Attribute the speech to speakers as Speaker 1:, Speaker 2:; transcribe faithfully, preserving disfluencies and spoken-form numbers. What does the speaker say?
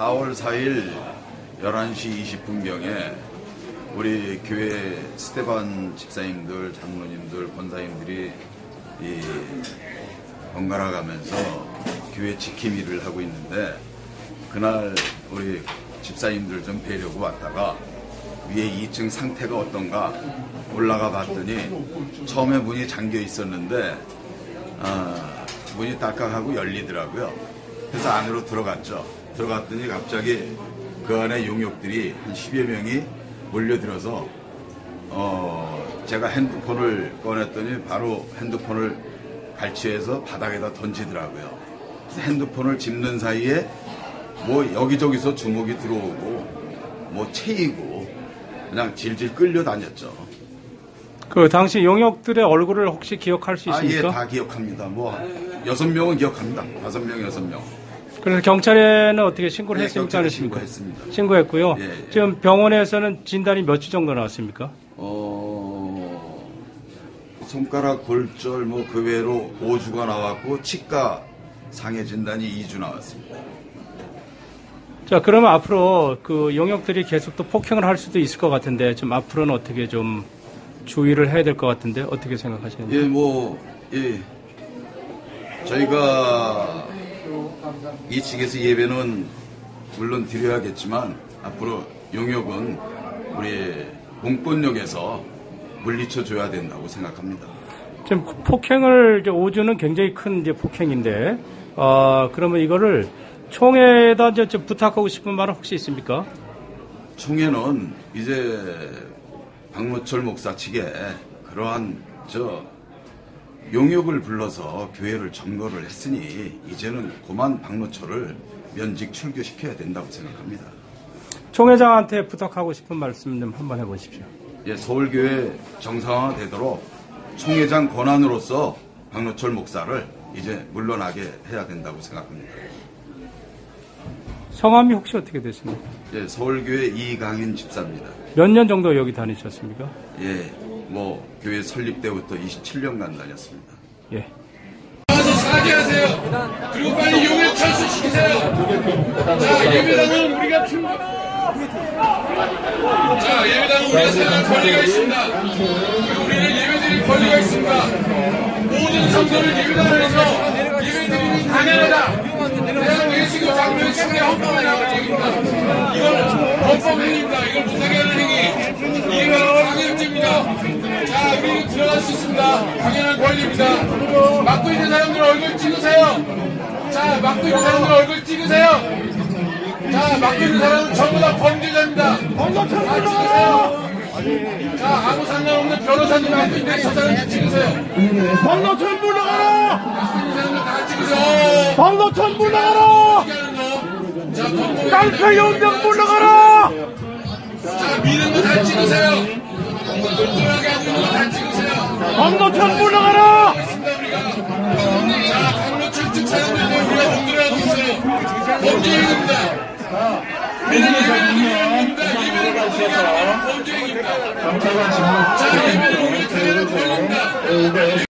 Speaker 1: 사월 사일 열한 시 이십 분경에 우리 교회 스테반 집사님들, 장로님들, 권사님들이 이 번갈아 가면서 교회 지킴 일을 하고 있는데, 그날 우리 집사님들 좀 뵈려고 왔다가 위에 이 층 상태가 어떤가 올라가 봤더니 처음에 문이 잠겨 있었는데 어, 문이 딱딱하고 열리더라고요. 그래서 안으로 들어갔죠. 들어갔더니 갑자기 그 안에 용역들이 한 십여 명이 몰려들어서 어, 제가 핸드폰을 꺼냈더니 바로 핸드폰을 갈취해서 바닥에다 던지더라고요. 그래서 핸드폰을 짚는 사이에 뭐 여기저기서 주먹이 들어오고 뭐 채이고 그냥 질질 끌려다녔죠.
Speaker 2: 그 당시 용역들의 얼굴을 혹시 기억할 수 있습니까?
Speaker 1: 아, 예, 다 기억합니다. 뭐 여섯 명은 기억합니다. 다섯 명, 여섯 명.
Speaker 2: 그래서 경찰에는 어떻게 신고를
Speaker 1: 네,
Speaker 2: 했습니까?
Speaker 1: 경찰에 신고했습니다.
Speaker 2: 신고했고요.
Speaker 1: 예, 예.
Speaker 2: 지금 병원에서는 진단이 몇 주 정도 나왔습니까?
Speaker 1: 어, 손가락 골절 뭐 그 외로 오 주가 나왔고 치과 상해 진단이 이 주 나왔습니다.
Speaker 2: 자, 그러면 앞으로 그 용역들이 계속 또 폭행을 할 수도 있을 것 같은데, 좀 앞으로는 어떻게 좀 주의를 해야 될 것 같은데, 어떻게 생각하시는지?
Speaker 1: 예, 뭐, 예. 저희가 이 측에서 예배는 물론 드려야겠지만, 앞으로 용역은 우리 공권력에서 물리쳐 줘야 된다고 생각합니다.
Speaker 2: 지금 폭행을, 이제 오 주는 굉장히 큰 이제 폭행인데, 어, 그러면 이거를 총회에다 이제 좀 부탁하고 싶은 말은 혹시 있습니까?
Speaker 1: 총회는 이제 박노철 목사 측에 그러한 저 용역을 불러서 교회를 점거를 했으니 이제는 고만 박노철을 면직 출교시켜야 된다고 생각합니다.
Speaker 2: 총회장한테 부탁하고 싶은 말씀 좀 한번 해보십시오.
Speaker 1: 예, 서울교회 정상화되도록 총회장 권한으로서 박노철 목사를 이제 물러나게 해야 된다고 생각합니다.
Speaker 2: 성함이 혹시 어떻게 되십니까?
Speaker 1: 예, 서울교회 이강인 집사입니다.
Speaker 2: 몇 년 정도 여기 다니셨습니까?
Speaker 1: 예, 뭐 교회 설립 때부터 이십칠 년간 다녔습니다.
Speaker 2: 예.
Speaker 3: 와서 사죄하세요. 그리고 빨리 용역 철수시키세요. 자, 예배당은 우리가 충분. 자, 예배당은 우리가 생각할 권리가 있습니다. 그리고 우리는 예배드릴 권리가 있습니다. 모든 성도를 예배당을 해서 예배드리는 당연하다. 대한 예수교 장로의 최대 헌법에 나온 얘기입니다. 이건 헌법 행위입니다. 이걸 못하게 하는 행위. 이게 바로 강요죄입니다. 자, 우리 들어갈 수 있습니다. 당연한 권리입니다. 막고 있는 사람들 얼굴 찍으세요. 자, 막고 있는 사람들 얼굴 찍으세요. 자, 막고 있는 사람은 전부 다 범죄자입니다. 다 찍으세요. 자, 아무 상관없는 변호사님 막고 있는데 저 사람 찍으세요.
Speaker 4: 박노천 물러가라!
Speaker 3: 막고 있는 사람들 다 찍으세요.
Speaker 4: 박노천 물러가라!
Speaker 3: 자,
Speaker 4: 깡패 연병 물러가라!
Speaker 3: 자, 미는 거 다 찍으세요. 똘똘하게 하고 있는 거 다 찍으세요.
Speaker 4: 박노천 물러가라!
Speaker 3: 자, 박노철 측 사람들 우리가 공들하고 있어요. 범죄행위입니다. 우리는 예배를 드려야 합니다. 예배를 못하게 하는 범죄행위입니다. 자, 예배는 우리가 드리는 권리입니다.